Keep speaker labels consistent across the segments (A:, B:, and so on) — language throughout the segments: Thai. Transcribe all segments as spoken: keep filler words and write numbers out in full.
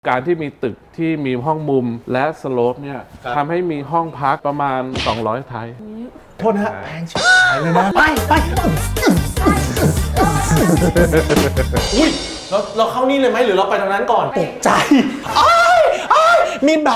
A: การที่มีตึกที่มีห้องมุมและสโลปเนี่ยทำให้มีห้องพักประมาณสองร้อยไทย
B: โทษนะฮะแพงชิบหายเลยนะไปไปอุ้ยเราเราเข้านี่เลยไหมหรือเราไปทางนั้นก่อนตกใจอ้ายอ้ายมีนบา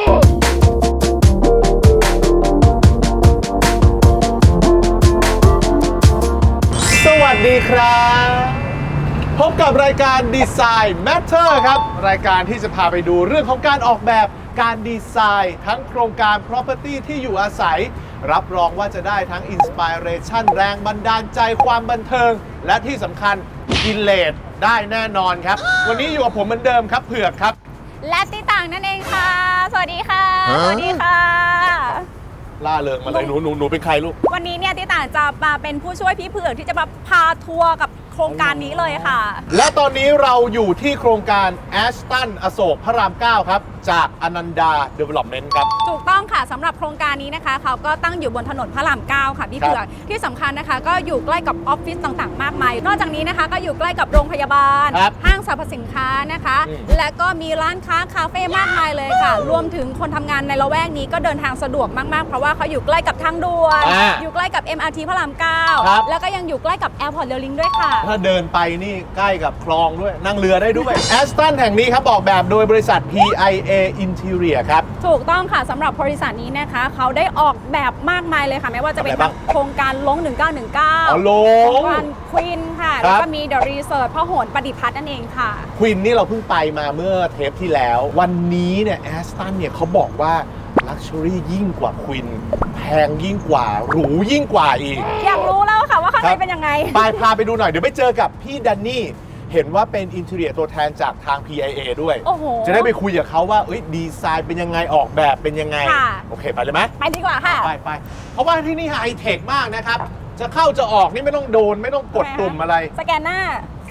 B: สวัสดีครับพบกับรายการ Design Matter ครับรายการที่จะพาไปดูเรื่องของการออกแบบการดีไซน์ทั้งโครงการ property ที่อยู่อาศัยรับรองว่าจะได้ทั้ง Inspiration แรงบันดาลใจความบันเทิงและที่สำคัญกินเลสได้แน่นอนครับวันนี้อยู่กับผมเหมือนเดิมครับเผือกครับ
C: และติต่างนั่นเองค่ะสวัสดีค่ะสวัสดีค่ะ
B: ล่าเริงมาเลยหนูหนูหนูเป็นใครลูก
C: วันนี้เนี่ยติต่างจะมาเป็นผู้ช่วยพี่เผือกที่จะมาพาทัวร์กับโครงการนี้เลยค่ะ
B: และตอนนี้เราอยู่ที่โครงการ Ashton อโศกพระรามเก้าครับจากอนันดา Development ครับ
C: ถูกต้องค่ะสำหรับโครงการนี้นะคะเขาก็ตั้งอยู่บนถนนพระรามเก้าค่ะพี่เผือกที่สำคัญนะคะก็อยู่ใกล้กับออฟฟิศต่างๆมากมายนอกจากนี้นะคะก็อยู่ใกล้กับโรงพยาบาลห้างสรรพสินค้านะคะและก็มีร้านค้าคาเฟ่มากมายเลยค่ะรวมถึงคนทำงานในละแวกนี้ก็เดินทางสะดวกมากๆเพราะว่าเขาอยู่ใกล้กับทางด่วนอยู่ใกล้กับ เอ็ม อาร์ ที พระรามเก้าแล้วก็ยังอยู่ใกล้กับแอร์พอร์ตเรลลิงด้วยค่ะ
B: ถ้าเดินไปนี่ใกล้กับคลองด้วยนั่งเรือได้ด้วย Ashton แห่งนี้ครับออกแบบโดยบริษัท พี ไอ เอ Interior ครับ
C: ถูกต้องค่ะสำหรับบริษัทนี้นะคะเขาได้ออกแบบมากมายเลยค่ะไม่ว่าจะเป็นโครงการลงหนึ่งเก้าหนึ่งเก้า
B: โ
C: ครงการควีนค่ะแล้วก็มี The Resort พหลประดิพัฒน์นั่นเองค่ะ
B: ควีนนี่เราเพิ่งไปมาเมื่อเทปที่แล้ววันนี้เนี่ย Ashton เนี่ยเขาบอกว่าลักชัวรี่ยิ่งกว่าควีนแพงยิ่งกว่าหรูยิ่งกว่าอีก
C: อยากรู้แล้วค่ะว่าข้างในเป็นยังไง
B: ไปพาไปดูหน่อยเดี๋ยวไปเจอกับพี่แดนนี่เห็นว่าเป็นอินเทอร์เนียตัวแทนจากทาง พี ไอ เอ ด้วยจะได้ไปคุยกับเขาว่าดีไซน์เป็นยังไงออกแบบเป็นยังไงโอเคไปเลยไหม
C: ไปดีกว่าค่ะ
B: ไปไปเพราะว่าที่นี่ไฮเทคมากนะครับจะเข้าจะออกนี่ไม่ต้องโดนไม่ต้องกดปุ่มอะไร
C: สแกนหน้า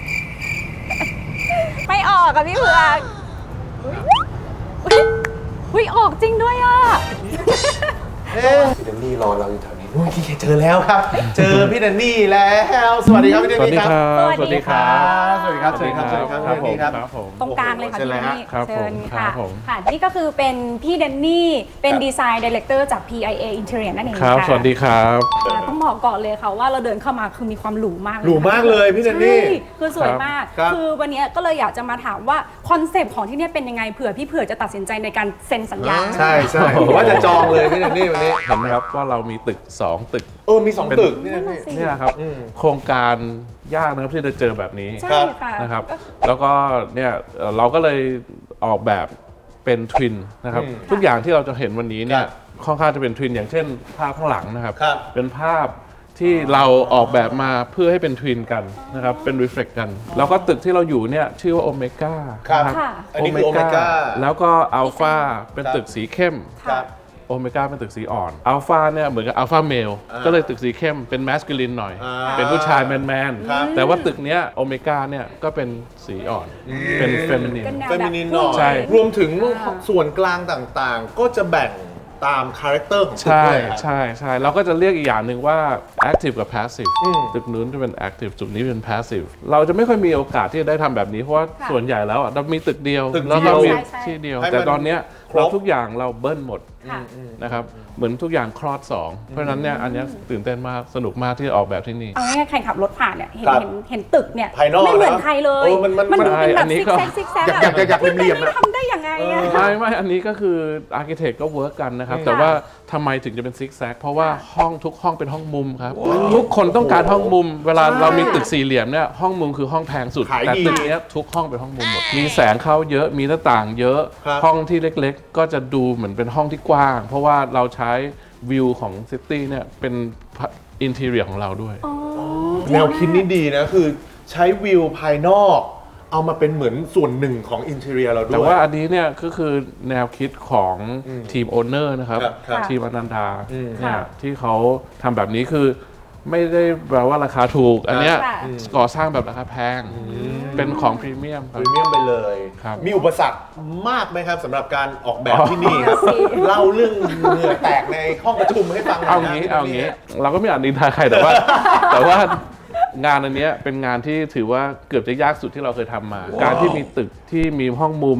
C: ไม่ออกกับพี่เผือกอุ้ยออกจริงด้วยอ่ะ
B: พี่แดนนี่รอเราอยู่แถวนี้ที่เจอแล้วครับเจอพี่แดนนี่แล้วสวัสดีครับพี่แดนนี่ครับ
A: สวัสดีครับ
B: สวัสดีครับสวัสดีครับสวัสดีครับสวัสดีครับ
C: ตรงกลางเลยค่ะพี่แดนนี่
A: เชิญ
C: ค่ะค่ะนี่ก็คือเป็นพี่แดนนี่เป็นดีไซน์ดีเลกเตอร์จาก พี ไอ เอ Interior นั่นเอง
A: ค่ะสวัสดีครับ
C: ต้องบอกก่อนเลยค่ะว่าเราเดินเข้ามาคือมีความหรูมาก
B: หรูมากเลยพี่แดนนี่
C: คือสวยมากคือวันนี้ก็เลยอยากจะมาถามว่าคอนเซปต์ของที่นี่เป็นยังไงเผื่อพี่เผื่อจะตัดสินใจในการเซ็นสัญญา
B: ใช่ใช่ว่าจะจองเลยพี่แดนนี่วันนี้
A: เห็นไหมครับว่าเรามีตึกสองตึก
B: เออมีสองตึกนี่
A: นี่นะครับโครงการยากนะครับที่จะเจอแบบนี้นะครับแล้วก็เนี่ยเราก็เลยออกแบบเป็นทวินนะครับทุกอย่างที่เราจะเห็นวันนี้เนี่ยค่อนข้างจะเป็นทวินอย่างเช่นภาพข้างหลังนะครับเป็นภาพที่เราออกแบบมาเพื่อให้เป็นทวินกันนะครับเป็นรีเฟล็กกันแล้วก็ตึกที่เราอยู่เนี่ยชื่อว่าโอเมก้า
B: ครับโอเมก้า
A: แล้วก็อัลฟาเป็นตึกสีเข้มโอเมก้าเป็นตึกสีอ่อนอัลฟาเนี่ยเหมือนกับอัลฟาเมลก็เลยตึกสีเข้มเป็นแมสคูลินหน่อยเป็นผู้ชายแมนแมนแต่ว่าตึกเนี้ยโอเมก้าเนี่ยก็เป็นสีอ่อนเป็นเฟมินิน
B: เฟมินินหน่อยรวมถึงส่วนกลางต่างๆก็จะแบ่งตามคาแรคเตอร์ของตึก
A: ใช่ใช่ใช่เราก็จะเรียกอีกอย่างหนึ่งว่า active กับ passive ตึกนู้นจะเป็น active จุดนี้เป็น passive เราจะไม่ค่อยมีโอกาสที่จะได้ทำแบบนี้เพราะว่าส่วนใหญ่แล้วเรามีตึกเดียวแล้วเรามีที่เดียวแต่ตอนนี้เราทุกอย่างเราเบิ้ลหมดนะครับเหมือนทุกอย่างคลอดสองเพราะฉะนั้นเนี่ยอันนี้ตื่นเต้นมากสนุกมากที่ออกแบบที่นี่
C: เอาง่ายๆใครขับรถผ่านเนี่ยเห็นเห็นเห็นตึกเนี่ยไม่เหมือนใครเลยมันดูเป็นแบบซิกแซกซิกแซก
B: อยากอยากเรียม
C: ๆทำได้ยังไง
A: ไม่ไม่อันนี้ก็คืออาร์คิเทคก็เวิร์กกันนะครับแต่ว่าทำไมถึงจะเป็นซิกแซกเพราะว่าห้องทุกห้องเป็นห้องมุมครับทุกคนต้องการห้องมุมเวลาเรามีตึกสี่เหลี่ยมเนี่ยห้องมุมคือห้องแพงสุดแต่ตึกนี้ทุกห้องเป็นห้องมุมหมดมีแสงเข้าเยอะมีหน้าต่างเยอะห้องที่เล็กๆก็จะดูเหมือนเป็นห้องที่กว้างเพราะว่าเราใช้วิวของซิตี้เนี่ยเป็นอินทีเรียของเราด้วย
B: แนวคิดนี่ดีนะคือใช้วิวภายนอกเอามาเป็นเหมือนส่วนหนึ่งของอินทีเรียเราด้วย
A: แต่ว่าอันนี้เนี่ยก็คือแนวคิดของทีมโอนเนอร์นะครับทีมอนันดาเนี่ยที่เขาทำแบบนี้คือไม่ได้แปลว่าราคาถูกอันเนี้ยก่อสร้างแบบราคาแพงเป็นของพรีเมียม
B: พรีเมียมไปเลยมีอุปสรรคมากไหมครับสำหรับการออกแบบที่นี่ครับเล่าเรื่องเหงื่อแตกในห้องประชุมให้ฟัง
A: เอางี้เอางี้เราก็ไม่อาจนินทาใครแต่ว่าแต่ว่างานอันนี้เป็นงานที่ถือว่าเกือบจะยากสุดที่เราเคยทำมาการที่มีตึกที่มีห้องมุม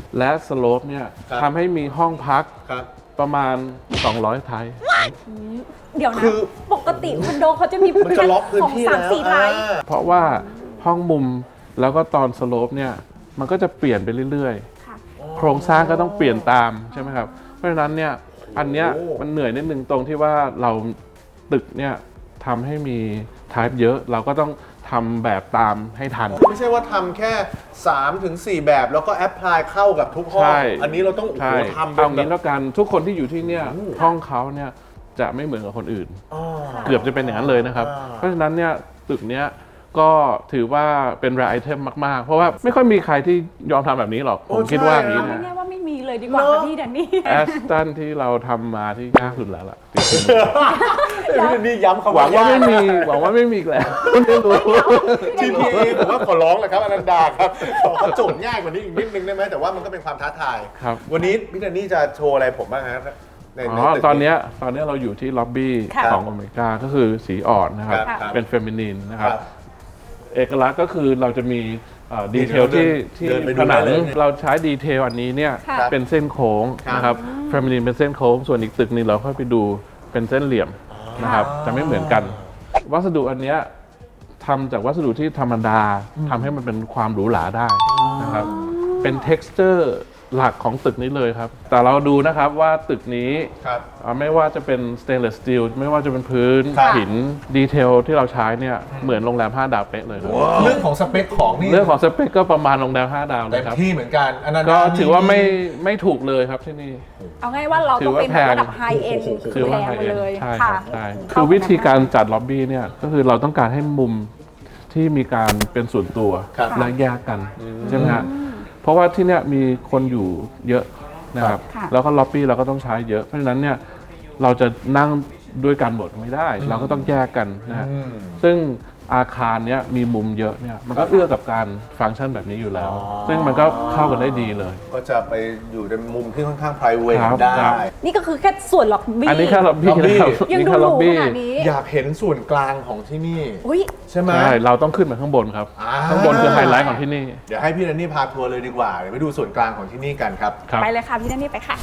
A: และสโลปเนี่ย
B: ครับ
A: ทำให้มีห้องพัก
B: ครับ
A: ประมาณ สองร้อย ไทย
C: เดี๋ยวนะ
B: คือ
C: ปกติคอนโดเขาจะมี
B: มันจะล็อกพื้นที่
C: สอง
B: แล้
C: สาม
B: ว
C: สี่ไทย
B: อ่า
A: เพราะว่าห้องมุมแล้วก็ตอนสโลปเนี่ยมันก็จะเปลี่ยนไปเรื่อย
C: ค่ะ
A: ๆ โครงสร้างก็ต้องเปลี่ยนตามใช่ไหมครับ เพราะฉะนั้นเนี่ยอันเนี้ย
B: โอ้
A: มันเหนื่อยนิดนึงตรงที่ว่าเราตึกเนี่ยทำให้มี type เยอะ เราก็ต้องทำแบบตามให้ทัน
B: ไม่ใช่ว่าทำแค่3ถึงสี่แบบแล้วก็แอพพลายเข้ากับทุกห้อง
A: ใช่
B: อันนี้เราต้องโอ้โห
A: ใช่
B: ทำเป็
A: เอา
B: นแบ
A: งี้
B: บ
A: แล้วกันทุกคนที่อยู่ที่เนี่ยห้องเขาเนี่ยจะไม่เหมือนกับคนอื่น
B: อ๋อ
A: เกือบจะเป็นอย่างนั้นเลยนะครับ
B: อ่า
A: เพราะฉะนั้นเนี่ยตึกเนี้ยก็ถือว่าเป็นรายไอเทมมากๆ เพราะว่าไม่ค่อยมีใครที่ยอมทำแบบนี้หรอก ผมคิดว่าอย่างนี้
C: ไม่
A: นะ
C: แน่ว่าไม่มีเลยดีกว่าค่ะพี่แดนนี่
A: แอสตันที่เราทำมาที่ยากสุดแล้วล่ะ
B: พี่นี่ย้ำคำ
A: หวังว่าไม่มีหวังว่าไม่มีอีกแล้วไม่รู้
B: ทีพีเอผมว่าขอร้องแหละครับอนันดาครับขอเขาโจทย์ง่ายกว่านี้อีกนิดนึงได้ไหมแต่ว่ามันก็เป็นความท้าทาย
A: ครับ
B: วันนี้พี่แดนนี่จะโชว์อะไรผมบ้างครับใน
A: อ๋
B: ใน
A: อ
B: ตึก
A: ตอนเนี้ยตอนเนี้ยเราอยู่ที่ล็อบบี้
C: ค่ะ
A: ของอเมริกาก็คือสีอ่อนนะครับ
B: ครับ
A: เป็นเฟมินีนนะค
B: ค
A: รั
B: รับ บ
A: เอกลักษณ์ก็คือเราจะมีดีเทล
B: เดิ
A: ที่
B: น
A: ที่
B: เดินไปดู
A: ผนัง
B: ได้เลย
A: เราใช้ดีเทลอันนี้เนี่ย
C: ค่ะ
A: เป็นเส้นโค้ง
B: ครับ
A: นะครับเฟมินีนเป็นเส้นโค้ง ส่วนอีกตึกหนึงเราค่อยไปดูเป็นเส้นเหลี่ยมนะครับจะไม่เหมือนกัน วัสดุอันเนี้ยทำจากวัสดุที่ธรรมดาทำให้มันเป็นความหรูหราได้นะครับเป็น texture หลักของตึกนี้เลยครับ แต่เราดูนะครับว่าตึกนี้
B: ครับ
A: อ่าไม่ว่าจะเป็น stainless steel ไม่ว่าจะเป็นพื้น
B: ครับ
A: หินดีเทลที่เราใช้เนี่ยเหมือนโรงแรมห้าดาวเป๊ะเลยครับ
B: เรื่องของสเปคของนี่
A: เรื่องของสเปคก็ประมาณโรงแรมห้าดาวเล
B: เต็
A: ย
B: ม
A: ครับ
B: ที่เหมือนกันอนันดา
A: ก็ถือว่าไม่ไม่ถูกเลยครับที่นี่
C: เอาง่ายว่าเรา
A: ถื
C: ต้
A: อ
C: อง
A: ว่า
C: เป็น
A: แพง
C: ระดับไฮเอ็น
A: คือว่า
C: แพ
A: ไฮ
C: งไป
A: เอ็น
C: เลย
A: ใช่ค
C: ค่ะ
A: รับใช่คือวิธีการจัดล็อบบี้เนี่ยก็คือเราต้องการให้มุมที่มีการเป็นส่วนตัว
B: ครับ
A: และแยกกันใช่ไหมฮะเพราะว่าที่เนี่ยมีคนอยู่เยอะนะครับ
C: ค่ะ
A: แล้วก็ล็อบบี้เราก็ต้องใช้เยอะเพราะฉะนั้นเนี่ยเราจะนั่งด้วยกันหมดไม่ได้ เราก็ต้องแยกกันนะฮะ
B: อืม
A: ซึ่งอาคารเนี้ยมีมุมเยอะเนี่ยมันก็เอื้อกับการฟังก์ชันแบบนี้อยู่แล้ว
B: อ๋อ
A: ซึ่งมันก็เข้ากันได้ดีเลย
B: ก็จะไปอยู่ในมุมที่ค่อนข้าง private
A: ครับ
B: ได้
A: ครับ
C: นี่ก็คือแค่ส่วนล็อบบี้
A: อันนี้แค่ล็อบบี้
B: ล็อบบี้
A: นะครับ
C: ยัง
A: นี่
C: ดู
A: แค่
C: ห
A: ล็
C: รู
A: อบบี้
C: ขนาดนี้
B: อยากเห็นส่วนกลางของที่นี่
C: อุ้ย
B: ใช่ไหม
A: ใช่เราต้องขึ้นไปข้างบนครับ
B: อ่า
A: ข้างบนคือไฮไลท์ของที่นี่
B: เดี๋ยวให้พี่แดนนี่พาทัวร์เลยดีกว่า เดี๋ยวไปดูส่วนกลางของที่นี่กันครับ
A: ครับ
C: ไปเลยค่ะพี่แดนนี่ไปค่ะ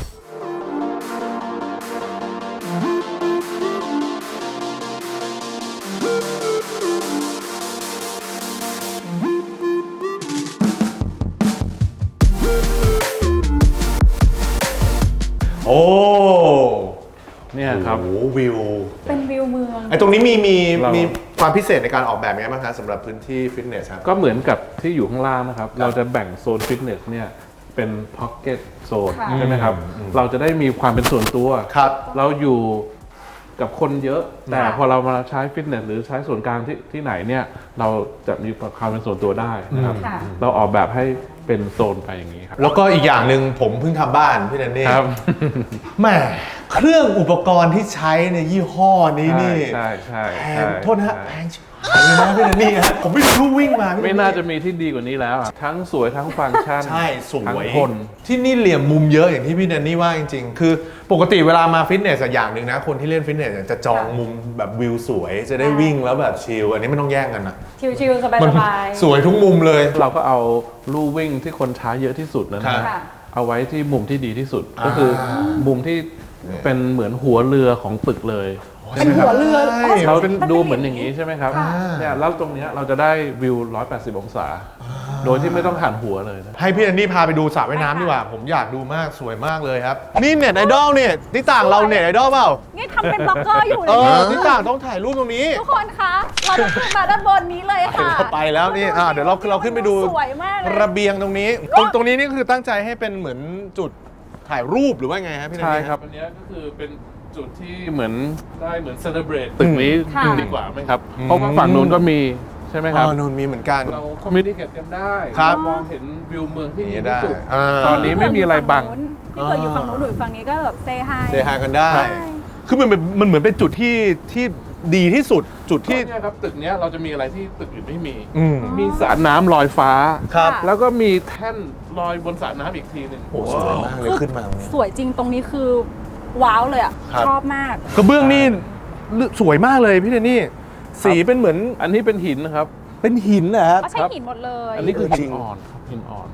B: โอ้
A: เนี่ยครับ
B: โอ้โหวิว
C: เป็นวิวเมือง
B: ไอ้ตรงนี้มีมี
A: เรามี
B: มีความพิเศษในการออกแบบยังไงบ้างคะสำหรับพื้นที่ฟิตเนสครับ
A: ก็เหมือนกับที่อยู่ข้างล่างนะครับ เราจะแบ่งโซนฟิตเนสเนี่ยเป็นพ็อกเก็ตโซน
C: ค่ะ
A: ใช่ไหมครับ เราจะได้มีความเป็นส่วนตัว
B: ครับ
A: เราอยู่กับคนเยอะ แต่
C: ค่ะ
A: พอเรามาใช้ฟิตเนสหรือใช้ส่วนกลางที่ที่ไหนเนี่ยเราจะมีความเป็นส่วนตัวได้นะครับ
C: ค่ะ
A: เราออกแบบให้เป็นโซนไปอย่างนี้ครับ
B: แล้วก็อีกอย่างหนึ่งผมเพิ่งทำบ้านพี่แดนนี่
A: ครับ
B: แหม่เครื่องอุปกรณ์ที่ใช้ในยี่ห้อนี้นี่
A: ใช่ใช่
B: แพ
A: ใช่
B: งโทษนะฮะ
A: ใช่
B: แพงชิบหายเลยนะพี่แดนนี่ฮะผมไม่รู้วิ่งมาพี่แด
A: ไม่
B: น
A: น่าจะมีที่ดีกว่านี้แล้วอะทั้งสวยทั้งฟังก์ชัน
B: ใช่ส
A: ทั้ง
B: วย
A: คน
B: ที่นี่เหลี่ยมมุมเยอะอย่างที่พี่แดนนี่ว่าจริงๆ คือปกติเวลามาฟิตเนสอะอย่างหนึ่งนะ คนที่เล่นฟิตเนสอะจะจองมุมแบบวิวสวย จะได้วิ่งแล้วแบบชิลอันนี้ไม่ต้องแย่งกันนะ
C: ชิลๆสบาย
B: มัน
C: สบาย
B: สวยทุกมุมเลย
A: เราก็เอาลู่วิ่งที่คนใช้เยอะที่สุดนะ
B: ครั
A: ฮะ
B: บ
C: ค่ะ
A: เอาไว้ที่มุมที่ดีที่สุด ก็คือมุมที่เป็นเหมือนหัวเรือของตึกเลย
C: เป็นหัวเรือ
B: ใช่
C: อ๋อ
A: เรา
C: เป็น
A: ดูเหมือนอย่างนี้ใช่ไหมครับ
C: ค่ะ
A: เนี่ยแล้วตรงเนี้ยเราจะได้วิวหนึ่งร้อยแปดสิบองศา โดยที่ไม่ต้องหันหัวเลยนะ
B: ให้พี่แดนนี่พาไปดูสระว่ายน้ำดีกว่า ผมอยากดูมากสวยมากเลยครับ นี่เน็ตไอดอลเนี่ยที่ต่างเราเน็ตไอดอลเปล่า
C: นี่ทำเป็นบล็อกเกอร์อยู่
B: เอ
C: เลย
B: อที่ต่างต้องถ่ายรูปตรงนี้
C: ทุกคนคะ เราจะขึ้นมาด้านบนนี้เลยค่ะ
B: เราไปแล้วนี่อ่าเดี๋ยวเราเราขึ้นไปดู
C: สวยมากเลย
B: ระเบียงตรงนี้ ตรงตรงนี้นี่คือตั้งใจให้เป็นเหมือนจุดถ่ายรูปหรือว่าไงครับพี่แดน
A: ใช่
B: นี่
A: ครับอันเนี้ยก็คือเป็นจุดที่เหมือนได้เหมือนเซเลบรตตึกนี้
C: ค่ะ
A: ดีกว่าไหมครับ เพราะว่าฝั่งนู้นก็มีใช่ไหมค
B: อ๋
A: รับ
B: อนู่นมีเหมือนกัน
A: เราคอมมิวนิเคตกันได้
B: ครับ
A: มองเห็นวิวเมืองที่ดี
B: นี่
A: ที่
B: ได้
A: สุด
B: อ่า
A: ตอนนี้ไม่มีอะไรบัง
C: พี่เกิดอยู่ฝั่งนู้นหรือฝั่งนี้ก็แบบเซฮาย
B: เซฮายกันได้
C: ใช่
B: คือมันเป็นมันเหมือนเป็นจุดที่ที่ดีที่สุดจุดที่
A: ที่เนี่ยครับตึกเนี้ยเราจะมีอะไรที่ตึกอื่นไม่มี
B: อืม
A: มีสระน้ำลอยฟ้า
B: ครับ
C: ค่ะ
A: แล้วก็มีแท่นลอยบนสระน้ำอีกทีหนึ่ง
B: โอ้สวยมากเลยขึ้นมาตรงนี้
C: สวยจริงตรงนี้คือว้าวเลยอ่ะ
B: ครับ
C: ชอบมาก
B: กระเบื้องนี่สวยมากเลยพี่เดนนี่ สีเป็นเหมือน
A: อันนี้เป็นหินนะครับ
B: เป็นหินนะครับ
C: ก็ใช้หินหมดเลย
A: อันนี้คือ
B: จริ
A: หิน
B: ง
A: อ่อนครับหินอ่อน
B: โห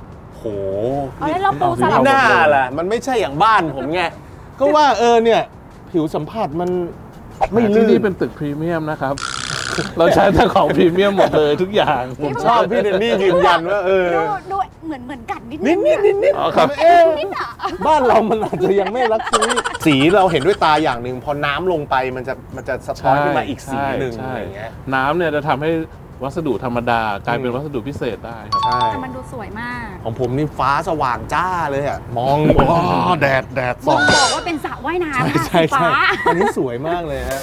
B: โห
C: เอาแล้วเราปูสลับ
B: หน้าล่ะมันไม่ใช่อย่างบ้านผมไงก็ว่าเออเนี่ยผิวสัมผัสมันไม่ลื่
A: ที่
B: น
A: นี่เป็นตึกพรีเมียมนะครับ เราใช้แต่ของพรีเมียมหมดเลยทุกอย่าง
B: ผมชอบพี่เดนนี่ยืนยันว่าเออ
C: ดูดูเหมือนเหมือนกันนิด
B: นิดนิดนิดนิด
A: อ๋อครับ
B: เอ๊ะ
C: นิดอ่ะ
B: บ้านเรามันอาจจะยังไม่รักซี่สีเราเห็นด้วยตาอย่างหนึ่งพอน้ำลงไปมันจะมันจะสะท้อนขึ้นมาอีกสีหนึ่ง
A: ใช่
B: อะไรอย่างเงี้ย
A: น้ำเนี่ยจะทำให้วัสดุธรรมดากลายเป็นวัสดุพิเศษได้ครับ
B: ใช่
C: แต่มันดูสวยมาก
B: ของผมนี่ฟ้าสว่างจ้าเลยอ่ะมองอ๋อแดดแดด
C: บ
B: ส่
C: อ
B: อง
C: กว่าเป็นสระว่ายน้ำค่ะ
B: ใช่
C: สี
B: ใช่
C: ฟ้า
B: อันนี้สวยมากเลยฮะ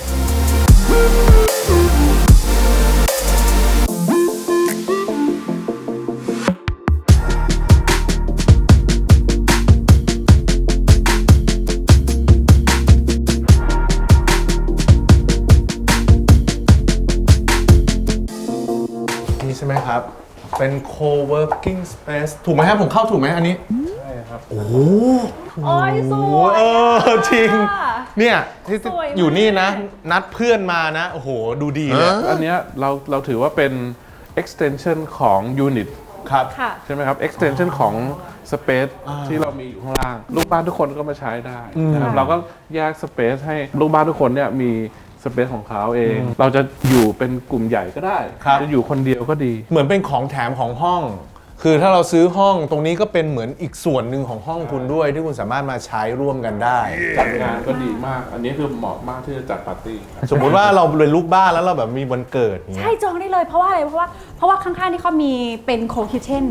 B: นี่ใช่ไหมครับ เป็น co-working space ถูกไหมครับผมเข้าถูกไหมอันนี้
A: ใช่ครับ
B: โอ้โห
C: โอ้ยส
B: โอ้
C: วย
B: เออจริง
C: อะ
B: เนี่ยที่
C: สวยมาก
B: อยู่นี่นะ นัดเพื่อนมานะ โอ้โห ดูดีเลย
A: อันเนี้ยเราเราถือว่าเป็น extension ของ unit
B: ครับ
C: ค่ะ
A: ใช่ไหมครับ extension ของ space ที่เรามีอยู่ข้างล่าง ลูกบ้านทุกคนก็มาใช้ได้นะครับ
C: อืม
A: เราก็แยก space ให้ลูกบ้านทุกคนเนี่ยมีสเปซของเขาเอง เราจะอยู่เป็นกลุ่มใหญ่ก็ได้
B: ครับ
A: จะอยู่คนเดียวก็ดี
B: เหมือนเป็นของแถมของห้อง คือถ้าเราซื้อห้องตรงนี้ก็เป็นเหมือนอีกส่วนหนึ่งของห้องคุณด้วย ที่คุณสามารถมาใช้ร่วมกันได้
A: จัดงานก็ดีมาก อันนี้คือเหมาะมากที่จะจัดปาร์ตี้ครับ
B: สมมุติว่าเราเป็นลูกบ้านแล้วเราแบบมีวันเกิดอย่างเงี้
C: ใช่
B: ย
C: จองได้เลยเพราะว่าอะไรเพราะว่าเพราะว่าข้างๆนี่เขามีเป็นโคคิเช่น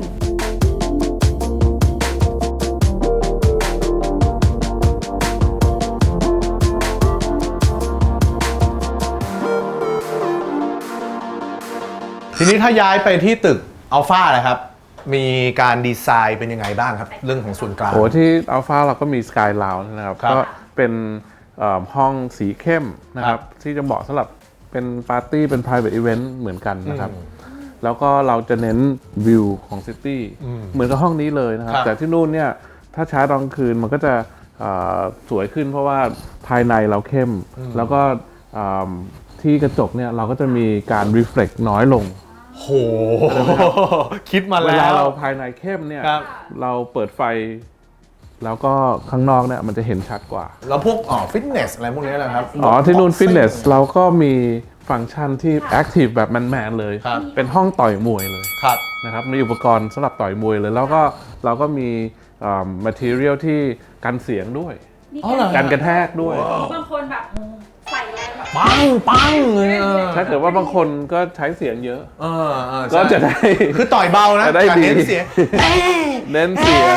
B: ทีนี้ถ้าย้ายไปที่ตึกอัลฟาเลยครับ มีการดีไซน์เป็นยังไงบ้างครับ เรื่องของส่วนกลาง
A: โอ้ที่อัลฟาเราก็มีสกายลาวนะครับ
B: ครับ
A: ก็เป็นเอ่อห้องสีเข้มนะค
B: ครั
A: รับ บ ที่จะเหมาะสำหรับเป็นปาร์ตี้เป็น private event เหมือนกันนะครับ
B: อืม
A: แล้วก็เราจะเน้นวิวของซิตี้
B: อืม
A: เหมือนกับห้องนี้เลยนะครับ
B: ครับ
A: แต่ที่นู่นเนี่ยถ้าใช้ตอนกลางคืนมันก็จะเอ่อสวยขึ้นเพราะว่าภายในเราเข้ม แล้วก็เอ่อที่กระจกเนี่ยเราก็จะมีการ reflect น้อยลง
B: โห คิดมา
A: เว
B: แล้
A: ลาว เราภายในเข้มเนี่ย
B: ครับ
A: เราเปิดไฟ แล้วก็ข้างนอกเนี่ยมันจะเห็นชัดกว่า
B: แล้วพวกอ๋อฟิตเนสอะไรพวกนี้นะครับ
A: อ๋อ ที่นู่นฟิตเนสเราก็มีฟังก์ชันที่แอคทีฟแบบแมนๆเลย
B: ครับ
A: เป็นห้องต่อยมวยเลย
B: ครับ
A: นะครับ มีอุปกรณ์สำหรับต่อยมวยเลย แล้วก็เราก็มีอ่า material ที่กันเสียงด้วย
B: อ๋อเหรอ
A: กันกระแทกด้วย
C: บางคนแบบใส่แรงแบบ
B: ปังปังเลยเออ
A: ถ้าเกิดว่าบางคนก็ใช้เสียงเยอะ
B: เออเออใช่
A: ก็จะได้
B: คือต่อยเบานะ
A: จะได้
B: แต่
A: ดี
B: เน้นเสียง
A: เน้นเสียง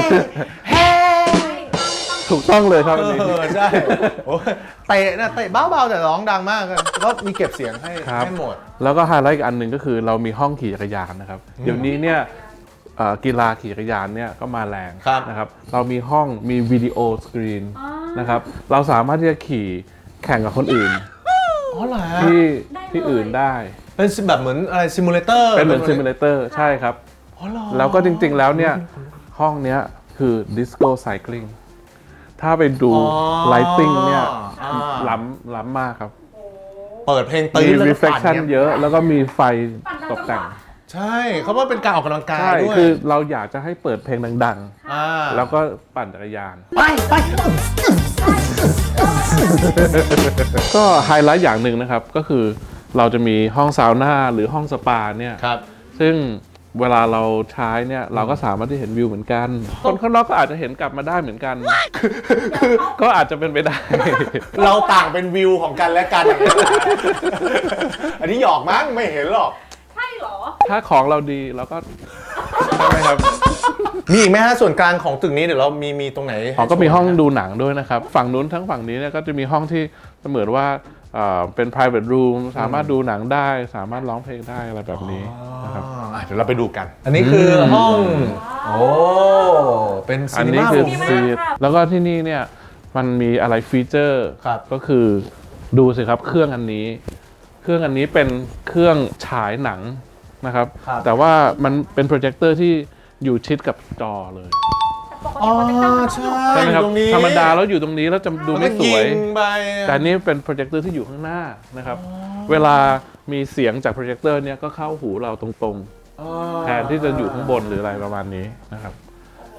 A: ถูกต้องเลยครับอันนี้
B: เออใช่โอ้ยเตะนะเตะเบาๆแต่ร้องดังมากก็มีเก็บเสียงให้
A: ครับ
B: ให้หมด
A: แล้วก็ไฮไลท์อีกอันหนึ่งก็คือเรามีห้องขี่จักรยานนะครับ เดี๋ยวนี้เนี่ยเอ่อกีฬาขี่จักรยานเนี่ยก็มาแรง
B: ครับ
A: นะครับ เรามีห้องมีวิดีโอสกรีนนะครับ เราสามารถที่จะขี่แข่งกับคนอื่น
B: อ๋อเหรอฮะ
A: ที่
C: ได้เลย
A: ที่อื่นได้
B: เป็นแบบเหมือนอะไรซิมูเลเตอร์
A: เป็นเหมือนซิมูเลเตอร์ใช่ครับ
B: อ๋อเหรอ
A: แล้วก็จริงๆแล้วเนี่ยห้องเนี้ยคือดิสโก้ไซคลิงถ้าไปดู
B: อ๋อ
A: ไลติ้งเนี่ย
B: อ่า
A: ล้ำล้ำมากครับ
B: เปิดเพลง
A: มี
B: ตื้นแล้วก็
A: reflection
B: ปั่น
A: เยอะแล้วก็มีไฟตกแต่ง
B: ใช่เขาว่าเป็นการออกกำลังกาย
A: ใช่
B: ด้วย
A: คือเราอยากจะให้เปิดเพลงดัง
B: อ่า
A: ๆ แล้วก็ปั่นจักรยาน
B: ไปไป
A: ก็ไฮไลท์อย่างหนึ่งนะครับ ก็คือเราจะมีห้องซาวน่าหรือห้องสปาเนี่ย
B: ครับ
A: ซึ่งเวลาเราใช้เนี่ยเราก็สามารถที่เห็นวิวเหมือนกัน คนข้างนอกก็อาจจะเห็นกลับมาได้เหมือนกัน ก็อาจจะเป็นไปได้
B: เราต่างเป็นวิวของกันและกันอย่างเงี้ยอันนี้หยอกมั้งไม่เห็นหรอก
C: ใช่เหรอ
A: ถ้าของเราดีเราก็ใช่ไหมครับ
B: มีอีกไหมฮะส่วนกลางของตึกนี้เดี๋ยวเรามีมีตรงไหน
A: อ๋อก็มีห้องดูหนังด้วยนะครับ ฝั่งนู้นทั้งฝั่งนี้เนี่ยก็จะมีห้องที่เหมือนว่าเอ่อเป็น private room สามารถดูหนังได้ สามารถร้องเพลงได้อะไรแบบนี้นะครับ
B: อ่าเดี๋ยวเราไปดูกัน อันนี้คือห้อง โอ้เป็น
A: อั
B: ซี
A: น
B: นี
A: นี้
B: มา
A: คือ
B: รูม
A: ซีแล้วก็ที่นี่เนี่ยมันมีอะไรฟีเจอร์
B: ครับ
A: ก็คือดูสิครับเครื่องอันนี้ เครื่องอันนี้เป็นเครื่องฉายหนังนะครับ
B: ครับ
A: แต่ว่ามันเป็นโปรเจคเตอร์ที่อยู่ชิดกับจอเลย
B: อ๋อใช่
A: ใช่ไหมครับ
B: ตรงนี้
A: ธรรมดาแล้วอยู่ตรงนี้แล้วจะดูไม่สวย
B: แล้ก็งไป
A: แต่อันนี้เป็นโปรเจคเตอร์ที่อยู่ข้างหน้านะครับ เวลามีเสียงจากโปรเจคเตอร์เนี่ยก็เข้าหูเราตรงๆ แทนที่จะอยู่ข้างบนหรืออะไรประมาณนี้นะครับ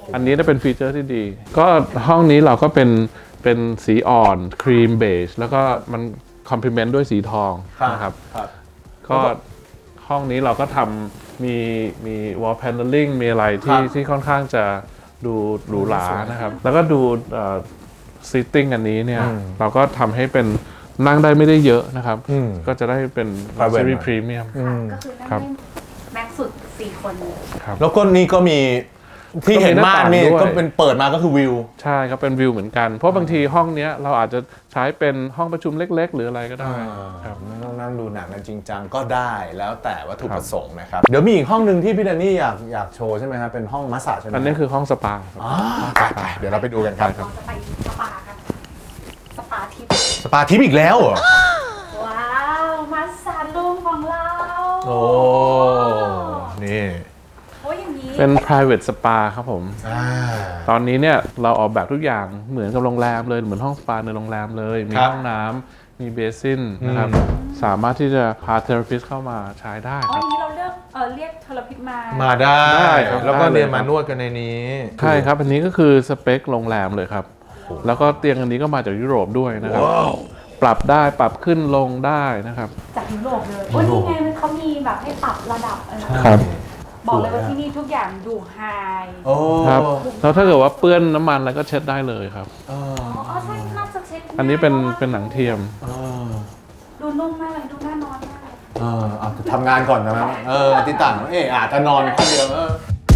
A: อันนี้จะเป็นฟีเจอร์ที่ดี ก็ห้องนี้เราก็เป็นเป็นสีอ่อนครีมเบจแล้วก็มันคอมพลีเมนต์ด้วยสีทองนะครับ
B: ครับ
A: ก็ห้องนี้เราก็ทำมีมี wall paneling มีอะไรที่ที่ค่อนข้างจะดูหรูหรานะครับ แล้วก็ดูเอ่อ sitting อันนี้เนี่ย เราก็ทำให้เป็นนั่งได้ไม่ได้เยอะนะครับ ก็จะได้เป็น luxury premium
C: ก็คือนั่ง
A: ครับ
C: ได้แม็กซ์สุดสี่คน
A: ครับ
B: แล้วก็นี่ก็มีที่เห็นม่านนี่
A: ก็มีหน้าต่างด้วย
B: ก็เป็นเปิดมาก็คือวิว
A: ใช่ครับเป็นวิวเหมือนกัน เพราะบางทีห้องเนี้ยเราอาจจะใช้เป็นห้องประชุมเล็ก ๆ หรืออะไรก็ได้ครับ
B: ไม่ต้องนั่งดูหนังกันจริงจังก็ได้แล้วแต่วัตถุประสงค์นะครับ เดี๋ยวมีอีกห้องหนึ่งที่พี่แดนนี่อยากอยากโชว์ใช่ไหมครับเป็นห้องมัสซาจใช่ไหม
A: อันนี้คือห้องสปาครับ
B: อ๋อไปไปเดี๋ยวเราไปดูกันครับ
C: เราจะไปสปากัน สปาทิป
B: สปาทิปอีกแล้วเหรอ
C: ว้าวมัสซาจรูมของเรา
B: โอ้นี่
C: โอ้ยอย่างนี้
A: เป็น private spa ครับผม
B: อ่า
A: ตอนนี้เนี่ยเราออกแบบทุกอย่างเหมือนกับโรงแรมเลยเหมือนห้องสปาในโรงแรมเลย มี
B: ครับ
A: ห้องน้ำมีเบสินนะครับ สามารถที่จะพาเทอราปิสเข้ามาใช้ได้
C: อ๋อ
A: ค
C: อ
A: รับ
C: ย่างนี้เราเลือกเออเรียกเทอราพิสมา
B: มาได้
A: ได้ครับ
B: แล้วก็
A: ได้เลย
B: เรียน
A: ครั
B: มา
A: บ
B: นวดกันในนี้
A: ใช่ครับ อันนี้ก็คือสเปคโรงแรมเลยครับ แล้วก็เตียงอันนี้ก็มาจากยุโรปด้วยนะครับ ปรับได้ปรับขึ้นลงได้นะครับ
C: จากยุโรปเลยโอ้ยนี่ไงมันเขามีแบบให้ปรับระดับเออบอกเลยว่าที่นี่ทุกอย่างดูไฮ
B: โอ้
A: ครับแล้วถ้าเกิดว่าเปื้อนน้ำมันอะไรก็เช็ดได้เลยครับ
C: อ๋อใช่น่าจะเช็ด
A: อันนี้เป็นเป็นหนังเทียม
C: ดูนุ่มมากเลยดูน่านอนมากเลย
B: เออเอาทำงานก่อนนะเออติต่างเอออาจจะนอนคนเดียวเออ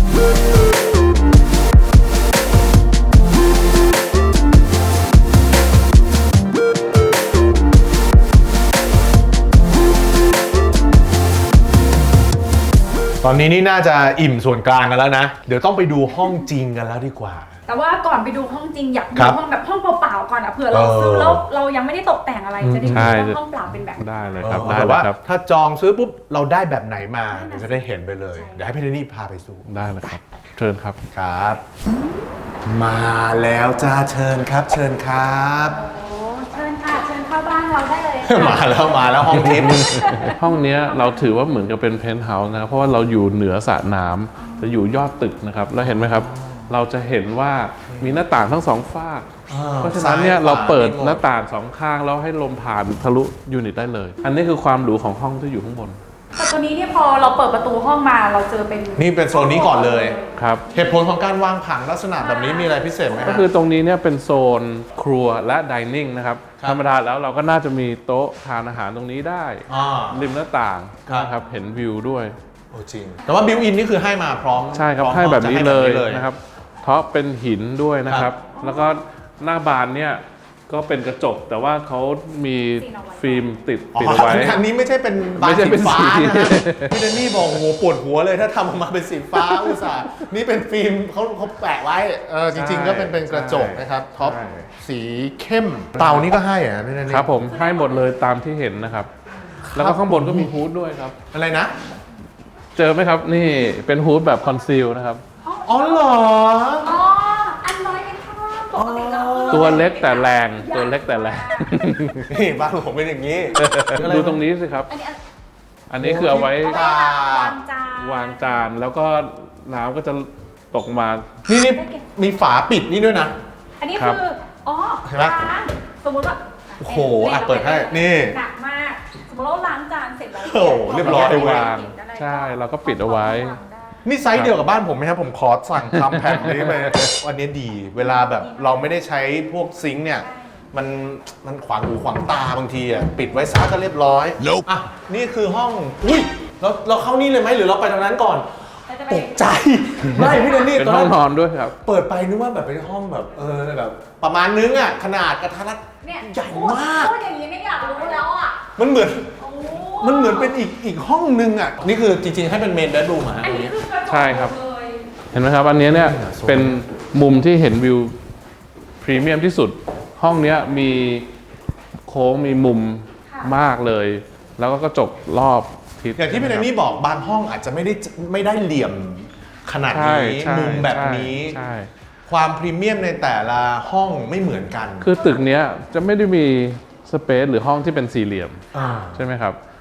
B: ตอนนี้นี่น่าจะอิ่มส่วนกลางกันแล้วนะ เดี๋ยวต้องไปดูห้องจริงกันแล้วดีกว่า
C: แต่ว่าก่อนไปดูห้องจริงอยากดู
B: ครับ
C: ห้องแบบห้องเปล่าๆก่อนอ่ะเผื่อเราซื้อ
B: เออ
C: แล้วเรายังไม่ได้ตกแต่งอะไรจะได้
A: ใช่
C: รู้ว่าห้องเปล่าเป็นแบบไหน
A: ได้เลยครับ
B: เออ
A: ได้
B: แต่
A: เลย
B: ว่า
A: ครับ
B: ถ้าจองซื้อปุ๊บเราได้แบบไหนมาเดี๋ยวจะได้เห็นไปเลย เดี๋ยวให้พี่เดนนี่พาไปสู่
A: ได้เลยครับ เชิญครับ
B: ครับ มาแล้วจ้าเชิญครับ เชิญครับ
C: โอ้เชิญค่ะเชิญเข้าบ้านเราได้เลยค่ะ
B: มาแล้วมาแล้วห้องทิพย์
A: ห้องเนี้ยเราถือว่าเหมือนกับเป็นเพนท์เฮาส์นะครับเพราะว่าเราอยู่เหนือสระน้ำจะอยู่ยอดตึกนะครับ แล้วเห็นไหมครับ เราจะเห็นว่ามีหน้าต่างทั้งสองฝาก เพราะฉะนั้นเนี่ยเราเปิดหน้าต่างสองข้างแล้วให้ลมผ่านทะลุยูนิตได้เลย อันนี้คือความหรูของห้องที่อยู่ข้างบน
C: แต่ตัวนี้เนี่ยพอเราเปิดประตูห้องมาเราเจอเป็น
B: นี่เป็นโซนนี้ก่อนเลย
A: ครับ
B: เหตุผลของการวางผังลักษณะแบบนี้มีอะไรพิเศษไหม
A: ก็คือตรงนี้เนี่ยเป็นโซนครัวและดิเนิ่งนะครับ
B: ครับ
A: ธรรมดาแล้วเราก็น่าจะมีโต๊ะทานอาหารตรงนี้ได้
B: อ่า
A: ริมหน้าต่าง
B: ครับ
A: นะครับเห็นวิวด้วย
B: โอ้จริง แต่ว่าบิวอินนี่คือให้มาพร้อม
A: ใช่ครับ
B: พอม
A: ให้แบบนี้เลย
B: จะให้
A: นะครับเพราะเป็นหินด้วยนะครับ แล้วก็หน้าบานเนี่ยก็เป็นกระจก แต่ว่าเขามีฟิล์มติด
B: อ๋อ
A: ติดเอาไว้
B: อันนี้ไม่ใช่เป็นบา
A: ไม่
B: น
A: ใช่
B: สี
A: เป็น
B: ฟ้า
A: สี
B: นะพี่เดนนี่บอกโอ้โหปวดหัวเลยถ้าทำออกมาเป็นสีฟ้าอุตส่าห์นี่เป็นฟิล์มเขาเขาแปะไว้เออจริง ๆ ก็เป็นเป็นกระจกนะครับท็อป
A: ใช่
B: สีเข้มเตานี่ก็ให้เหรอะพี่เดนนี่
A: ครับผมให้หมดเลยตามที่เห็นนะครับ แล้วก็ข้างบนก็มีฮูดด้วยครับ
B: อะไรนะ
A: เจอไหมครับนี่เป็นฮูดแบบคอนซีลนะครับ
B: อ๋อเหรอ
C: อ๋ออันน้อยเป็นข้างล่างปกติเราคือ
A: ตัวเล็กแต่แรงตัวเล็กแต่แรง
B: นี่บ้านผมเป็นอย่างนี้
A: ดูตรงนี้สิครับ
C: อันนี้อัน
A: อันนี้คือเอาไว้
C: เอาไว้วางจาน
A: วางจานแล้วก็น้ำก็จะตกมา
B: นี่นี่มีฝาปิดนี่ด้วยนะ
C: อันนี้
A: ครับ
C: คือ อ๋อ
B: เห็นไหม
C: ล้างสมมติว่า
B: โอ้โหอ่ะเปิดให้นี่
C: หนักมาก สมมติเราล้างจานเสร็จแล้ว
B: โอ้โหเรียบร้อย
A: ไปวางใช่เราก็ปิดเอาไว้
B: นี่ไซส์เดียวกับบ้านผมไหมครับผมขอสั่งทำแผ่นนี้ไปอันนี้ดี เวลาแบบเราไม่ได้ใช้พวกซิงค์เนี่ย มันมันขวางหูขวางตาบางทีอ่ะปิดไว้ซะก็เรียบร้อยอ่ะนี่คือห้องอุ้ยเราเราเข้านี่เลยไหมหรือเราไปทางนั้นก่อน
C: เราจะไป
B: ตกใจ ไม่พี่เดนนี่
A: เป็น
B: ตอน
A: ห้อง
B: นั้น
A: นอนด้วยครับ
B: เปิดไปนึกว่าแบบเป็นห้องแบบเออแบบประมาณนึงอ่ะขนาดกระทัดรัด
C: เนี่ย
B: ใหญ่มาก
C: พูดอย่างนี้ไม่อยากรู้แล้วอ่ะ
B: มันเหมือน
C: โอ้
B: มันเหมือนเป็นอีกอีกห้องนึงอ่ะนี่คือจริงๆให้เป็นเมนเบดรูมอ่ะ
C: อัน
B: ตรง
C: นี้
B: นี้
C: คือกระจก
A: ใช่ครับ
C: เลย
A: เห็นไหมครับอันนี้เนี่ยเป็นมุมที่เห็นวิวพรีเมียมที่สุด ห้องเนี้ยมีโค้งมีมุมมากเลย แล้วก็กระจกรอบทิศ
B: อย่างที่พี่แดนนี่บอกบางห้องอาจจะไม่ได้ไม่ได้เหลี่ยมขนาด
A: ใช่
B: นี้
A: ใช่
B: มุมแบบนี้
A: ใช่
B: ความพรีเมียมในแต่ละห้องไม่เหมือนกัน
A: คือตึกเนี้ยจะไม่ได้มีสเปซหรือห้องที่เป็นสี่เหลี่ยม
B: อ่า
A: ใช่ไหมครับ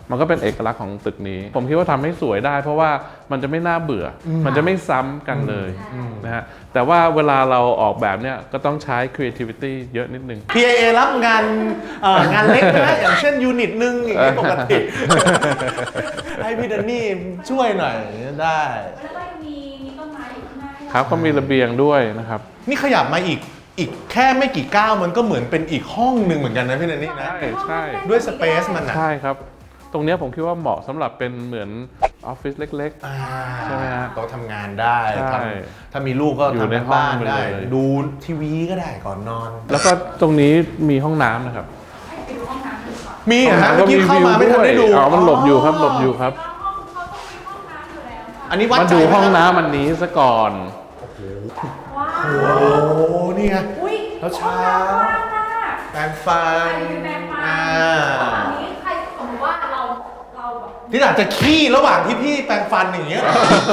A: มันก็เป็นเอกลักษณ์ของตึกนี้ ผมคิดว่าทำให้สวยได้ เพราะว่ามันจะไม่น่าเบื่ออมันจะไม่ซ้ำกันเลยนะฮะแต่ว่าเวลาเราออกแบบเนี่ยก็ต้องใช้ creativity เยอะนิดนึง
B: พี เอ เอ รับงานเอ่องานเล็กนะอย่างเช่นยูนิตหนึ่งอย่างนี้ปกติ ให้พี่แดนนี่ช่วยหน่อยได้
C: แล้วก็มีมีต้นไม้อยู่ข้างหน้าให้เรา
A: ครับก็มีระเบียงด้วยนะครับ
B: นี่ขยับมาอีกอีกแค่ไม่กี่ก้าวมันก็เหมือนเป็นอีกห้องหนึ่งเหมือนกันนะพี่แดนนี่นะ
A: ใช่ใช่
B: ด้วยสเปซมันนะ
A: ใช่ครับ ตรงเนี้ยผมคิดว่าเหมาะสำหรับเป็นเหมือนออฟฟิศเล็ก
B: อ่า
A: ใช่ไหมฮะ
B: โต๊ะทำงานได้
A: ใช่
B: ทำถ้ามีลูกก็
A: อยู่
B: ทำ
A: ใน
B: ใน
A: ห้อง
B: บ้าน
A: ไป
B: ได้
A: เลย
B: ดูทีวีก็ได้ก่อนนอน
A: ๆ แล้วก็ตรงนี้มีห้องน้ำนะครับ
C: ไปดูห้องน้ำกันก่อน
B: มีเหรอฮะเมื่อกี้เข้ามาไม่ทันได้ดู
A: อ๋อมันหลบอยู่ครับหลบอยู่ครับ
C: แล้วห้องเขาต้องมีห้องน้ำอยู่แล้วค่ะ
B: อันนี้วัด
A: มา
B: ใจ
A: ดูห้อง
B: ไม
A: น้ำอันนี้ซะก่อน
C: ว้าว
B: โอ้โหนี่ไง
C: อุ้ย
B: แล้วเช้า
C: ห้องน้ำกว้างมาก
B: แปรงฟัน
C: ใครเป็นแฟนฟัน
B: อ่า
C: อันนี้ใครสมมติว่าเราเราแบบ
B: ที่อาจจะขี้ระหว่างที่พี่แปรงฟันอย่างเงี้ย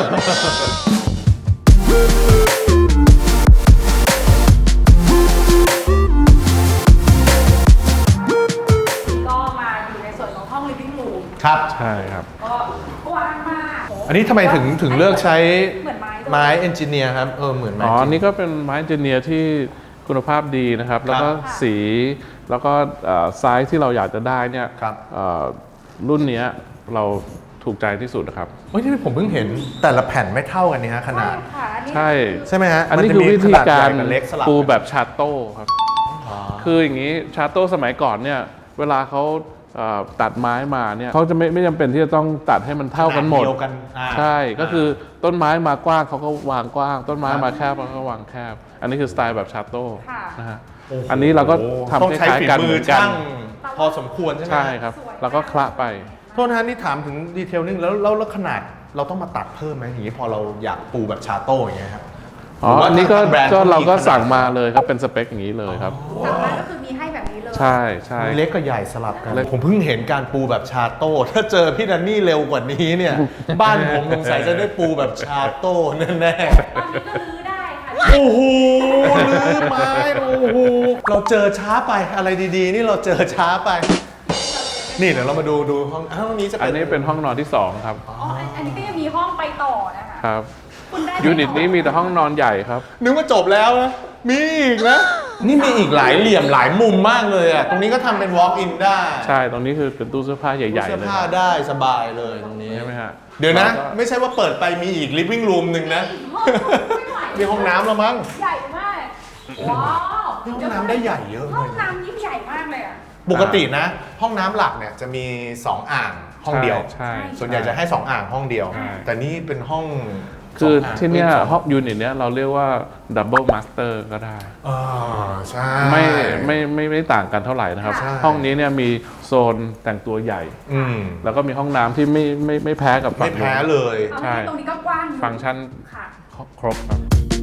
C: ก็มาอยู่ในส่วนของห้อง living room
B: ครับ
A: ใช่ครับ
C: ก็กว้างมากโ
B: อันนี้ทำไมถึงถึงเลือกใช้
C: เหมือนไม้ด้วย
B: ไม้เอนจิเนียร์ครับ เออเหมือนไม้
A: อ๋อ
B: จริง
A: นี่ก็เป็นไม้เจเนียร์ที่คุณภาพดีนะครับ แล้วก็สีแล้วก็ไซส์ที่เราอยากจะได้เนี่ย
B: ครับ
A: เอ่อรุ่นเนี้ยเราถูกใจที่สุดนะครับ
B: เฮ้ยที่ผมเพิ่งเห็นแต่ละแผ่นไม่เท่ากันนี่ฮะขนาด
C: ค่ะอันนี้
A: ใช่
B: ใช่ไหมฮะ
A: อันนี้
B: มั
A: คือ
B: จะมี
A: วิธี
B: ขนด
A: การ
B: ใหญ่บเล็กสลับ
A: ปู
B: กัน
A: แบบชาโต้ครับ
B: อ๋อ
A: คืออย่างนี้ชาโต้สมัยก่อนเนี่ยเวลาเขาเอ่อตัดไม้มาเนี่ยเขาจะไม่ไม่จำเป็นที่จะต้องตัดให้มันเท่ากันหมด
B: ขนาเดียวกันอ่า
A: ใช่ก็คือต้นไม้มากว้างเขาก็วางกว้าง ต้นไม้มาแคบเขาก็วางแคบ อันนี้คือสไตล์แบบชาโต้
C: ค่ะ
A: นะฮะ
B: โโห
A: อันนี้เราก็ทำ
B: ต้อง
A: ค
B: ใช้
A: ล้าย
B: ฝี
A: ๆกัน
B: มื
A: เห
B: อ
A: มือนกัน
B: ช่างพอสมควรใช่ไหม
A: ใช่ครับ แล้วก็คละไป
B: โทษนะฮะนี่ถามถึงดีเทลนึงแล้วแล้วแล้วขนาดเราต้องมาตัดเพิ่มไหมอย่างนี้พอเราอยากปูแบบชาโต้อย่างเงี้ยครับ
A: อ๋อ
B: หรืว่า
A: อันนี้ก็
B: ทางแบรนด์
A: ก็เราก็
B: ขนด
A: สั่งมาเลยครับเป็นสเปคอย่างนี้เลยครับ
C: สั่งมาก็คือมีให้แบบนี้เลย
A: ใช่ใช่
B: มีเล็กกับใหญ่สลับกัน
A: เล็ก
B: ผมเพิ่งเห็นการปูแบบชาโต้ ถ้าเจอพี่ดันนี่เร็วกว่านี้เนี่ย บ้านผมสงสัยจะได้ปูแบบชาโต้แน่
C: ตอนนี้ก็รื้อได้ค่ะ
B: ๆ โอ้โหลืมไม้โอ้โหเราเจอช้าไปอะไรดีๆ นี่เราเจอช้าไป นี่เดี๋ยวเรามาดูดูห้องอ้าวห้องนี้จะ
A: อั
B: เป็น น
A: นี้เป็นห้องนอนที่สองครับ
C: อ๋ออันอันนี้ก็ยังมีห้องไปต่อนะคะ
A: ครับ
C: คุณได้
A: ยูนิตนี้มีแต่ห้องนอนใหญ่ครับ
B: นึกว่าจบแล้วนะ มีอีกนะ นี่มีอีกหลายเหลี่ยมหลายมุมมากเลยอ่ะ ตรงนี้ก็ทำเป็น walk in ได้
A: ใช่ ตรงนี้คือเป็นตู้เสื้อผ้าใหญ่
B: เสื้
A: ๆ
B: อ
A: เลย
B: ผ้าได้สบายเลยตรงนี้
A: ใช่ไหมฮะ
B: เดี๋ยวนะ
A: แล้วก็
B: ไม่ใช่ว่าเปิดไปมีอีก living room หนึ่งนะ มีห้องน้ำแล้วมั้ง
C: ใหญ่มาก ว้าว
B: นี่ห้องน้ำได้ใหญ่เยอะเลย
C: ห้องน้ำยิ่งใหญ่มากเลยอ่ะ
B: ปกตินะ ห้องน้ำหลักเนี่ยจะมีสองอ่างห้องเดียว
A: ใช่
B: ส่วนใหญ่จะให้สองอ่างห้องเดียว
A: ใช่
B: แต่นี่เป็นห้อง
A: คือ
B: สงาง
A: ที่เนี้ย
B: ป็ส
A: ห้องยูนิตเนี้ยเราเรียกว่าดับเบิลมาสเตอร์ก็ได้
B: อ่าใช่
A: ไม่ไม่ไม่ไม่ต่างกันเท่าไหร่นะครับ
B: ใช่
A: ห้องนี้เนี่ยมีโซนแต่งตัวใหญ่
B: อืม
A: แล้วก็มีห้องน้ำที่ไม่ไม่ไม่แพ้กับฝั่
B: ไม่
A: ง
B: แพ้
A: นู้น
B: เลย
C: เอา
A: ใช่
C: ตรงนี้ก็กว้างอยู่
A: ฟังก์ชัน
C: ค่ะ
A: ครบครับ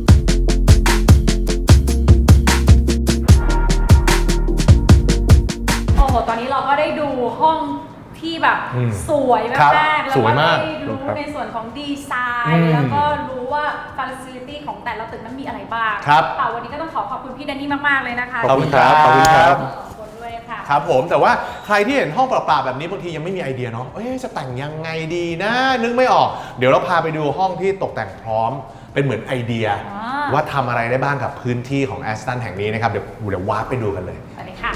C: โอ้โห ตอนนี้เราก็ได้ดูห้องที่แบบ
B: อืม
C: สวย
B: ครับ
C: มากๆแล้ว
B: สวย
C: ก็
B: มาก
C: ได้รู้ในส่วนของดีไซ
B: อื
C: น์
B: ม
C: แล้วก็รู้ว่าฟ a ซิลิตี้ของแต่ละตึกนั้นมีอะไรบ้าง
B: ครับ
C: ค่ะวันนี้ก็ต้องขอขอบคุณพี่แดนนี่มาก ๆ เลยนะคะ
B: ขอบคุณครับ ขอบคุณครับ
C: ขอบคุณด้วยค่ะ
B: ครับผมแต่ว่าใครที่เห็นห้องเปล่าๆแบบนี้บางทียังไม่มีไอเดียเนาะเอ้ยจะแต่งยังไงดีนะ นึกไม่ออก เดี๋ยวเราพาไปดูห้องที่ตกแต่งพร้อม เป็นเหมือนไอเดีย
C: อ่า
B: ว่าทำอะไรได้บ้างกับพื้นที่ของแอสตันแห่งนี้นะครับ เดี๋ยวเดี๋ยววาร์ปไปดูกันเลย
C: สวัสดีค่ะ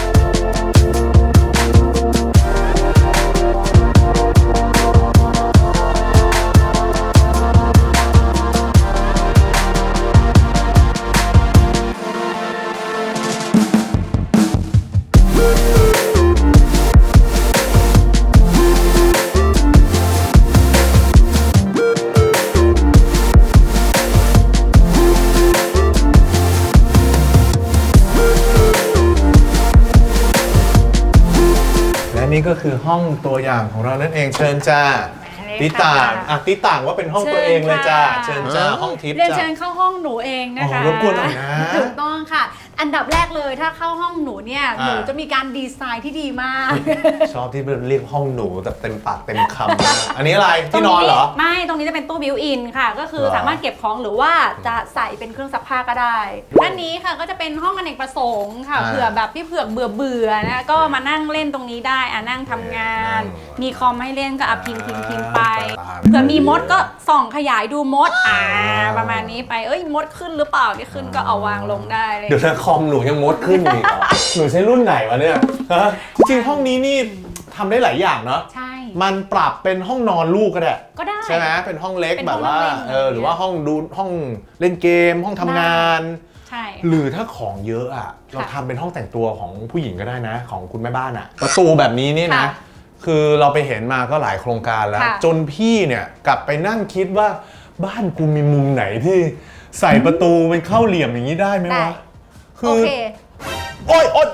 B: และนี่ก็คือห้องตัวอย่างของเรานั่นเองเชิญจ้า
C: ได้
B: ติ
C: ค่ะ
B: ต่างอ่ะติต่างว่าเป็นห้องตัวเองเลยจ้าเชิญจ้าห้องทิพย์
C: เรียน
B: จ้า
C: เชิญเข้าห้องหนูเองนะคะ
B: อ๋อรบกวนหน่อยนะ
C: ถูกต้องค่ะอันดับแรกเลยถ้าเข้าห้องหนูเนี่ยหนูจะมีการดีไซน์ที่ดีมาก
B: ชอบที่เรียกห้องหนูแบบเต็มปากเต็มคำมากอันนี้อะไรที่นอนเหรอ
C: ไม่ตรงนี้จะเป็นตู้บิวอินค่ะก็คือสามารถเก็บของหรือว่าจะใส่เป็นเครื่องซักผ้าก็ได้ด้านนี้ค่ะก็จะเป็นห้องอเนกประสงค์ค่ะเผื่อแบบพี่เผือกเบื่อเบื่อนะก็มานั่งเล่นตรงนี้ได้อ่ะนั่งทำงานมีคอมให้เล่นก็อ่ะพิมพ์พิมพ์พิมพ์ไปเผื่อมีมดก็ส่องขยายดูมดอ่าประมาณนี้ไปเอ้ยมดขึ้นหรือเปล่าไม่ขึ้นก็เอาวางลงได้เลย
B: เดี๋ยวนะคอมหนูยังมดขึ้นอีกเหรอหนูใช้รุ่นไหนวะเนี่ยฮะจริงๆห้องนี้นี่ทำได้หลายอย่างเนาะ
C: ใช่
B: มันปรับเป็นห้องนอนลูกก็ได้
C: ก็ได้
B: ใช่ไหมเป็นห้องเล็ก
C: เป็น
B: แบ
C: ห้อบ ง
B: ว่า
C: เล่น
B: เออหรือว่าห้องดูห้องเล่นเกม ห้องทำงาน
C: ใช่
B: หรือถ้าของเยอะอ่ะเราทำเป็นห้องแต่งตัวของผู้หญิงก็ได้นะของคุณแม่บ้านอ่ะประตูแบบนี้นี่นะคือเราไปเห็นมาก็หลายโครงการแล้วจนพี่เนี่ยกลับไปนั่งคิดว่าบ้านกูมีมุมไหนที่ใส่ประตูเป็นเข้าเหลี่ยมอย่างนี้ได้ไหมวะ
C: คือโอเค
B: โอ๊ยโอ๊ย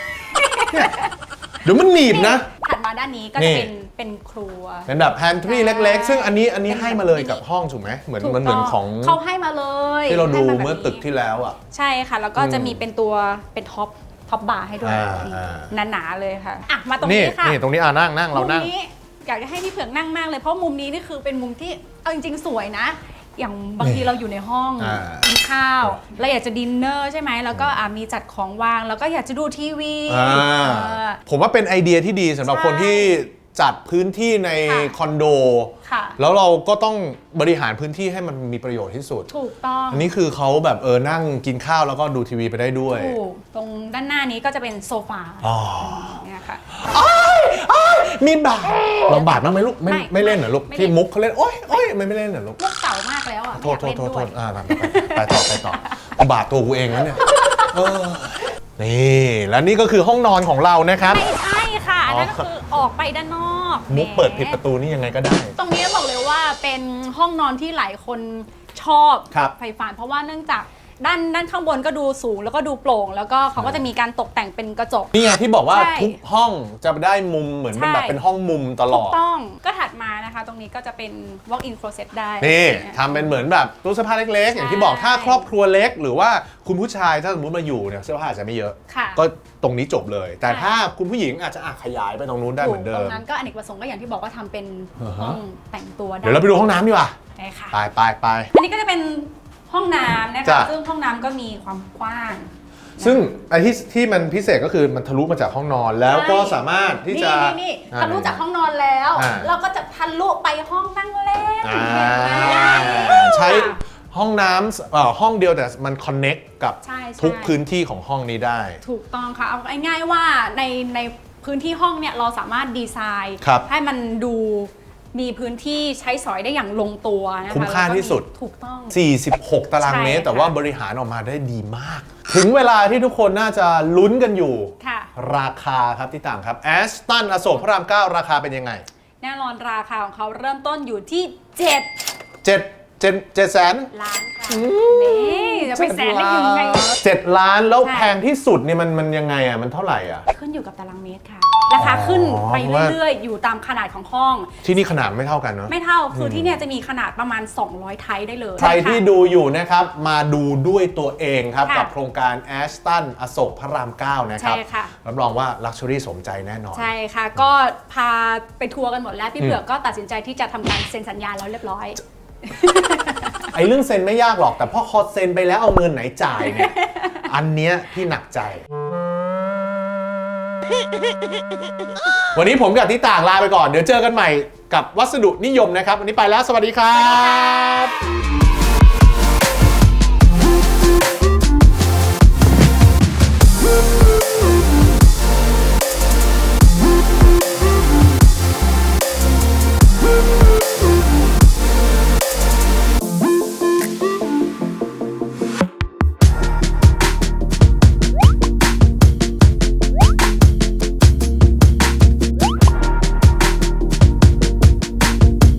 B: เดี๋ยวมันหนีบนะ
C: ถัดมาด้านนี้ก็จะเป็นเป็นครัว
B: เป็นแบบแพนทรีเล็กๆซึ่งอันนี้อันนี้ให้มาเลยกับห้องถูกไหมเหมือนมันเหมือนของ
C: เขาให้มาเลย
B: ที่เราดูเมื่อตึกที่แล้วอ่ะ
C: ใช่ค่ะแล้วก็จะมีเป็นตัวเป็นท็อปท็อปบาร์ให้ด้วยหนาๆเลยค่ะอ่ะมาตรงนี้ค่ะ
B: นี่ตรงนี้อ่ะนั่งนั่งเรานั่ง
C: อยากจะให้พี่เผือกนั่งมากเลยเพราะมุมนี้นี่คือเป็นมุมที่เอาจริงๆสวยนะอย่างบางทีเราอยู่ในห้องกินข้าวเราอยากจะดินเนอร์ใช่ไหมแล้วก็มีจัดของวางแล้วก็อยากจะดูทีวี
B: ผมว่าเป็นไอเดียที่ดีสำหรับคนที่จัดพื้นที่ในคอนโดแล้วเราก็ต้องบริหารพื้นที่ให้มันมีประโยชน์ที่สุด
C: ถูกต้อง
B: อันนี้คือเขาแบบเออนั่งกินข้าวแล้วก็ดูทีวีไปได้ด้วย
C: ถูกตรงด้านหน้านี้ก็จะเป็นโซฟาเนี่ยค่ะ
B: มีบาทลองบาทบ้างไหมลูกไม่ไม่เล่นเหรอลูกที่มุกเขาเล่นโอ๊ยโอ๊ยไม่ไม่เล่นเหรอลูก
C: มุกเก่ามากแล้วอ่ะ
B: โทษโทษโทษโทษอ่าไปต่อไปต่อบาทตัวกูเองแล้วเนี่ยนี่แล้วนี่ก็คือห้องนอนของเรานะครับ
C: ไม่ใช่ค่ะนั่นก็คือออกไปด้านนอก
B: มุกเปิดผิดประตูนี่ยังไงก็ได้
C: ตรงนี้บอกเลยว่าเป็นห้องนอนที่หลายคนชอบใฝ่ฝันเพราะว่าเนื่องจากด้านด้านข้างบนก็ดูสูงแล้วก็ดูโปร่งแล้วก็เขาก็จะมีการตกแต่งเป็นกระจก
B: นี่ไงที่บอกว่าทุกห้องจะได้มุมเหมือนเป็นแบบเป็นห้องมุมตลอด
C: ถูกต้องก็ถัดมานะคะตรงนี้ก็จะเป็น walk in closet ได้
B: นี่ทำเป็นเหมือนแบบตู้เสื้อผ้าเล็กๆอย่างที่บอกถ้าครอบครัวเล็กหรือว่าคุณผู้ชายถ้าสมมติมาอยู่เนี่ยเสื้อผ้าอาจจะไม่เยอะก็ตรงนี้จบเลยแต่ถ้าคุณผู้หญิงอาจจะขยายไปตรงนู้นได้เหมือนเดิม
C: ตรงนั้นก็อเนกประสงค์ก็อย่างที่บอกว่าทำเป็นห้องแต่งตัวได้
B: เดี๋ยวเราไปดูห้องน้ำดีกว่าไปไปไป
C: อันนี้ก็จะเป็นห้องน้ำนะคะซึ่งห้องน้ำก็มีความกว้าง
B: ซึ่งไอ้ที่ที่มันพิเศษก็คือมันทะลุมาจากห้องนอนแล้วก็สามารถที่จะ
C: นี่ทะลุจากห้องนอนแล้วเราก็จะทะลุไปห้องนั่งเล่น
B: ใช้ห้องน้ำห้องเดียวแต่มันคอนเน็กกับทุกพื้นที่ของห้องนี้ได้
C: ถูกต้องค่ะเอาง่ายๆว่าในในพื้นที่ห้องเนี่ยเราสามารถดีไซน์ให้มันดูมีพื้นที่ใช้สอยได้อย่างลงตัวนะคะ
B: คุ้มค่าที่สุด
C: ถูกต้อง
B: สี่สิบหกตารางเมตรแต่ว่าบริหารออกมาได้ดีมากถึงเวลาที่ทุกคนน่าจะลุ้นกันอยู่ราคาครับที่ต่างครับแอสตันอโศกพระรามเก้าราคาเป็นยังไง
C: แน่นอนราคาของเขาเริ่มต้นอยู่ที่เจ็ด
B: เจ็ดเจ็ดเจ็ดแสน
C: ล้านค่ะนี่จะไปแสนได้ยังไง
B: เจ็ดล้านแล้วแพงที่สุดเนี่ยมันมันยังไงอ่ะมันเท่าไหร่อ่ะ
C: ขึ้นอยู่กับตารางเมตรค่ะราคาขึ้นไปเรื่อยๆอยู่ตามขนาดของห้อง
B: ที่นี่ขนาดไม่เท่ากันเนาะ
C: ไม่เท่าคือที่เนี่ยจะมีขนาดประมาณสองร้อยไทป์ได้เลย
B: ใครที่ดูอยู่นะครับมาดูด้วยตัวเองครับกับโครงการแอสตันอโศกพระรามเก้านะครับรับรองว่าลักชัวรี่สมใจแน่นอน
C: ใช่ค่ะก็พาไปทัวร์กันหมดแล้วพี่เผือกก็ตัดสินใจที่จะทำการเซ็นสัญญาแล้วเรียบร้อย
B: ไอ้เรื่องเซ็นไม่ยากหรอกแต่พอคอเซ็นไปแล้วเอาเงินไหนจ่ายเนี่ยอันเนี้ยพี่หนักใจวันนี้ผมกับที่ต่างลาไปก่อนเดี๋ยวเจอกันใหม่กับวัสดุนิยมนะครับวันนี้ไปแล้วสวัสดีครับ